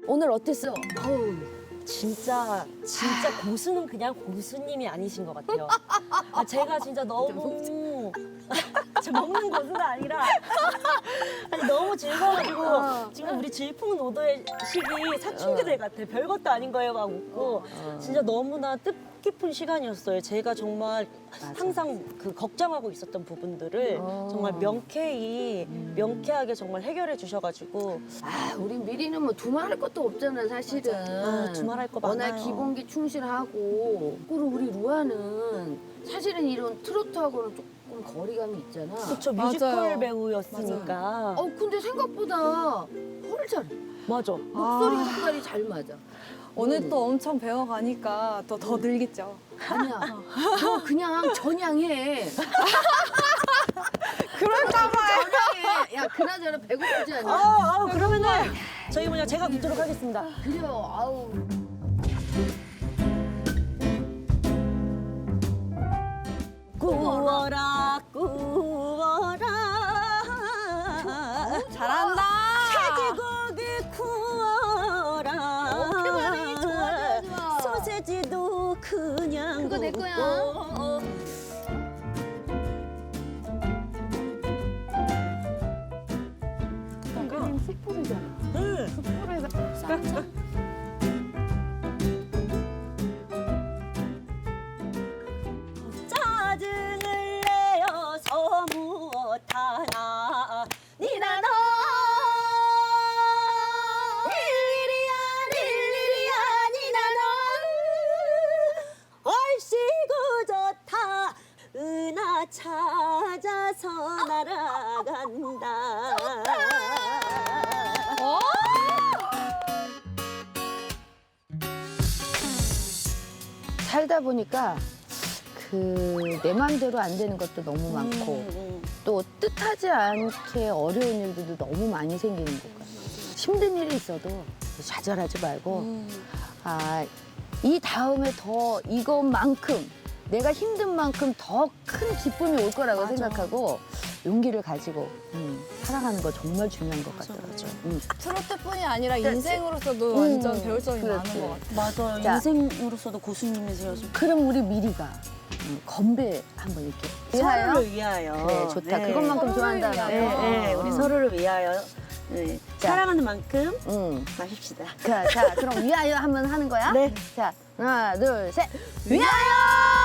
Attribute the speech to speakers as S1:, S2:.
S1: 오늘 어땠어?
S2: 아우, 진짜 고수는 그냥 고수님이 아니신 것 같아요. 아, 제가 진짜 너무 저 먹는 고수가 아니라 아니, 너무 즐거워가지고 지금 우리 질풍노도의 시기 사춘기들 같아. 별것도 아닌 거예요 막 웃고 진짜 너무나 뜻깊은 시간이었어요. 제가 정말 항상 그 걱정하고 있었던 부분들을 정말 명쾌하게 정말 해결해 주셔가지고
S1: 아, 우리 미리는 뭐 두말할 것도 없잖아, 사실은.
S2: 아, 두말할 거
S1: 워낙
S2: 많아요.
S1: 기본기 충실하고. 그리고 우리 루아는 사실은 이런 트로트하고는 조금 거리감이 있잖아.
S2: 그쵸, 뮤지컬 배우였으니까.
S1: 근데 생각보다 헐 잘해.
S2: 맞아.
S1: 목소리 색깔이 잘 맞아.
S3: 오늘 또 엄청 배워가니까 또 더 늘겠죠.
S1: 아니야. 너 그냥 전향해.
S3: 그럴까봐요.
S1: 전향해. 야, 그나저나 배고프지 않냐?
S2: 그러면은 저희 뭐냐 제가 묻도록 하겠습니다.
S1: 그래요. 아우.
S2: 구워라 구워라
S3: 잘한다.
S2: 돼지고기 구워라
S1: 오케이, 반응이 좋아, 좋아.
S2: 소세지도 그냥
S1: 그거 내 거야.
S2: 굽고.
S1: 그림 숯불이잖아.
S2: 짜증을 내어서 무엇하나 니나노 일일이야 니나노 얼씨구 좋다 은하 찾아서 날아간다
S1: 살다 보니까 그 내 맘대로 안 되는 것도 너무 많고 또 뜻하지 않게 어려운 일들도 너무 많이 생기는 것 같아요. 힘든 일이 있어도 좌절하지 말고 이 다음에 더 이것만큼 내가 힘든 만큼 더 큰 기쁨이 올 거라고 생각하고 용기를 가지고 살아가는 거 정말 중요한 것 같더라고요.
S3: 트로트뿐이 아니라 인생으로서도 완전 배울 점이 많은 것 같아요.
S2: 맞아요.
S1: 자.
S2: 인생으로서도 고수님이세요.
S1: 그럼 우리 미리가 건배 한번 이렇게
S2: 서로를 위하여.
S1: 그래, 좋다.
S2: 네.
S1: 그것만큼
S3: 서로를
S1: 좋아한다.
S2: 네, 우리 서로를 위하여. 네.
S1: 자.
S2: 사랑하는 만큼
S1: 응.
S2: 마십시다.
S1: 자, 그럼 위하여 한번 하는 거야?
S2: 네.
S1: 자, 하나, 둘, 셋. 위하여!